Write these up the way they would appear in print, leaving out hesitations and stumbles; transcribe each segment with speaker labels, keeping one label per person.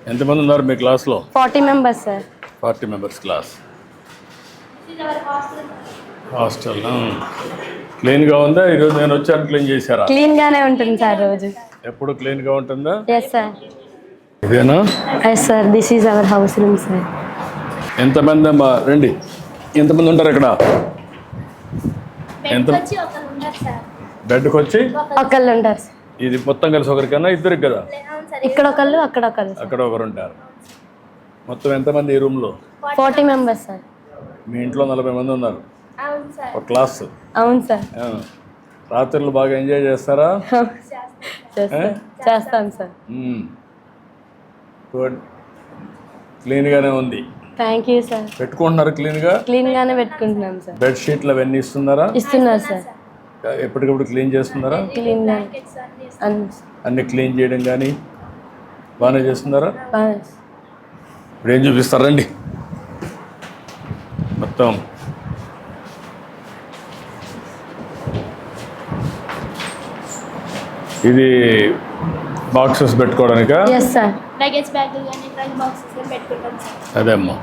Speaker 1: ఎంతమంది ఉన్నారు మీ క్లాస్లో?
Speaker 2: 40 members, sir.
Speaker 1: 40 members class. Hostel క్లీన్గా ఉందా? ఈరోజు నేను వచ్చాను, క్లీన్ చేశారా?
Speaker 2: క్లీన్ గానే ఉంటుంది సార్ రోజు.
Speaker 1: ఎప్పుడు క్లీన్గా ఉంటుందా?
Speaker 2: Yes sir.
Speaker 1: ఇదేనా?
Speaker 2: Yes sir, this is our house room sir.
Speaker 1: ఎంతమంది అమ్మా? రండి. ఎంతమంది ఉంటారు ఇక్కడ? ఎంత బెడ్కి వచ్చి
Speaker 2: ఒకళ్ళు ఉంటారు సార్.
Speaker 1: ఇది మొత్తం కలిసి ఒకరికన్నా ఇద్దరికి కదా?
Speaker 2: ఇక్కడ ఒకళ్ళు, అక్కడ ఒకళ్ళు.
Speaker 1: అక్కడ ఒకరు ఉంటారు. మొత్తం ఎంతమంది ఈ రూమ్లో?
Speaker 2: 40 members సార్.
Speaker 1: మీ ఇంట్లో 40 మంది ఉన్నారు. ఒక క్లాస్.
Speaker 2: అవును సార్.
Speaker 1: రాత్రులు బాగా ఎంజాయ్ చేస్తారా?
Speaker 2: చేస్తాం సార్.
Speaker 1: గుడ్. క్లీన్గానే ఉంది.
Speaker 2: Thank you sir.
Speaker 1: పెట్టుకుంటున్నారు క్లీన్గా?
Speaker 2: క్లీన్ గానే పెట్టుకుంటున్నాం సార్.
Speaker 1: బెడ్ షీట్లు అవన్నీ ఇస్తున్నారా?
Speaker 2: ఇస్తున్నారు సార్.
Speaker 1: ఎప్పటికప్పుడు క్లీన్ చేస్తున్నారా?
Speaker 2: క్లీన్
Speaker 1: అన్ని క్లీన్ చేయడం కానీ బాగానే చేస్తున్నారా?
Speaker 2: బాగా.
Speaker 1: ఇప్పుడు ఏం చూపిస్తారండి మొత్తం? ఇది బాక్సెస్ పెట్టుకోవడానికా?
Speaker 2: Yes sir.
Speaker 3: లగేజ్ బ్యాగ్ గాని ట్రంక్ బాక్సెస్ గాని పెట్టుకుంటాం సార్.
Speaker 1: అదే అమ్మా.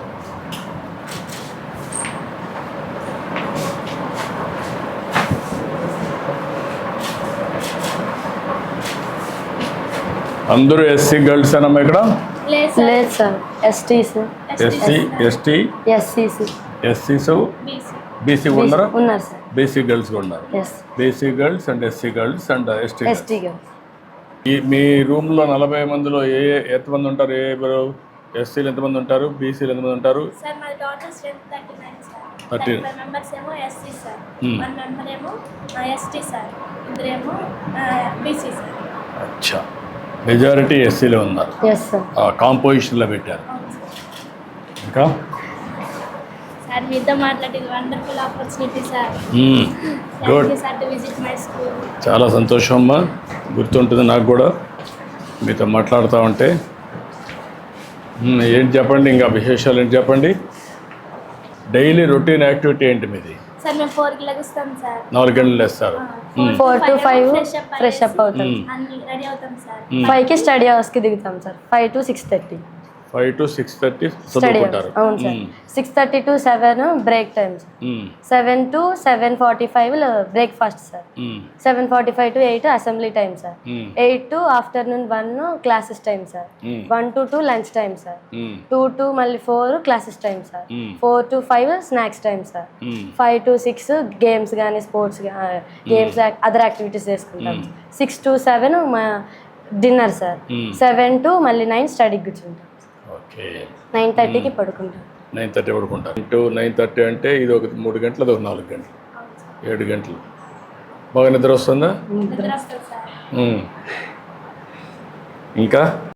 Speaker 1: అందరూ ఎస్సీ గర్ల్స్ అనమ్మా ఇక్కడ?
Speaker 2: లేదు సార్, ఎస్టీస్,
Speaker 1: ఎస్టీ, ఎస్సీస్, బీసీ ఉన్నారా?
Speaker 2: ఉన్నారు సార్.
Speaker 1: బీసీ గర్ల్స్ కూడా ఉన్నారు. BC girls and SC girls and ST
Speaker 2: girls.
Speaker 1: మీ రూమ్లో 40 మందిలో ఎంతమంది ఉంటారు? ఎస్సీలు ఎంతమంది ఉంటారు? బీసీలు ఎంతమంది ఉంటారు?
Speaker 3: సార్ మా టోటల్ స్ట్రెంత్ 39 సార్.
Speaker 1: 39
Speaker 3: మెంబర్స్ ఏమో ఎస్సీ సార్, 1 మెంబర్ ఏమో ఎస్టీ సార్, ఇద్దరేమో బీసీ సార్.
Speaker 1: అచ్చా, మెజారిటీ ఎస్సీలో ఉన్నారు.
Speaker 2: Yes sir.
Speaker 1: కాంపోజిషన్లో పెట్టారు. ఇంకా
Speaker 3: సార్ మీతో మాట్లాడేది wonderful opportunity sir.
Speaker 1: Good.
Speaker 3: Sir to visit my school.
Speaker 1: చాలా సంతోషం అమ్మా, గుర్తుంటుంది నాకు కూడా మీతో మాట్లాడుతూ ఉంటే. ఏంటి చెప్పండి, ఇంకా విశేషాలు ఏంటి చెప్పండి? డైలీ రొటీన్ యాక్టివిటీ ఏంటి మీది?
Speaker 3: సార్ మేము 4కి లెగుస్తాం సార్.
Speaker 1: 4 గంటలు లేస్తారు.
Speaker 2: 4 to 5 ఫ్రెష్ అప్ అవుతాం.
Speaker 3: అన్ని రెడీ అవుతాం సార్.
Speaker 2: 5కి స్టడీ అవర్స్కి దిగుతాం సార్. 5 to 6:30.
Speaker 1: 5 to 6:30
Speaker 2: స్టడీ
Speaker 1: చదువుకుంటారు.
Speaker 2: అవును sir. 6:30 to 7 break time sir. 7 to 7:45 breakfast sir. 7:45 to 8 assembly time sir. 8 to afternoon 1 classes time sir. 1 to 2 lunch time sir. 2 to మళ్ళీ 4 classes time sir. 4 to 5 snacks time sir. 5 to 6 games కానీ sports games other activities చేసుకుంటాం. 6 to 7 మా dinner sir. 7 to మళ్ళీ 9 స్టడీకి కూర్చుంటాం.
Speaker 1: Okay.
Speaker 2: 9:30కి పడుకుంటాం.
Speaker 1: 9:30 పడుకుంటారు. 9:30 అంటే ఇది ఒక 3 గంటలు, అది ఒక 4 గంటలు, 7 గంటలు. బాగా నిద్ర వస్తుందా?
Speaker 3: నిద్ర వస్తుంది సార్.
Speaker 1: ఇంకా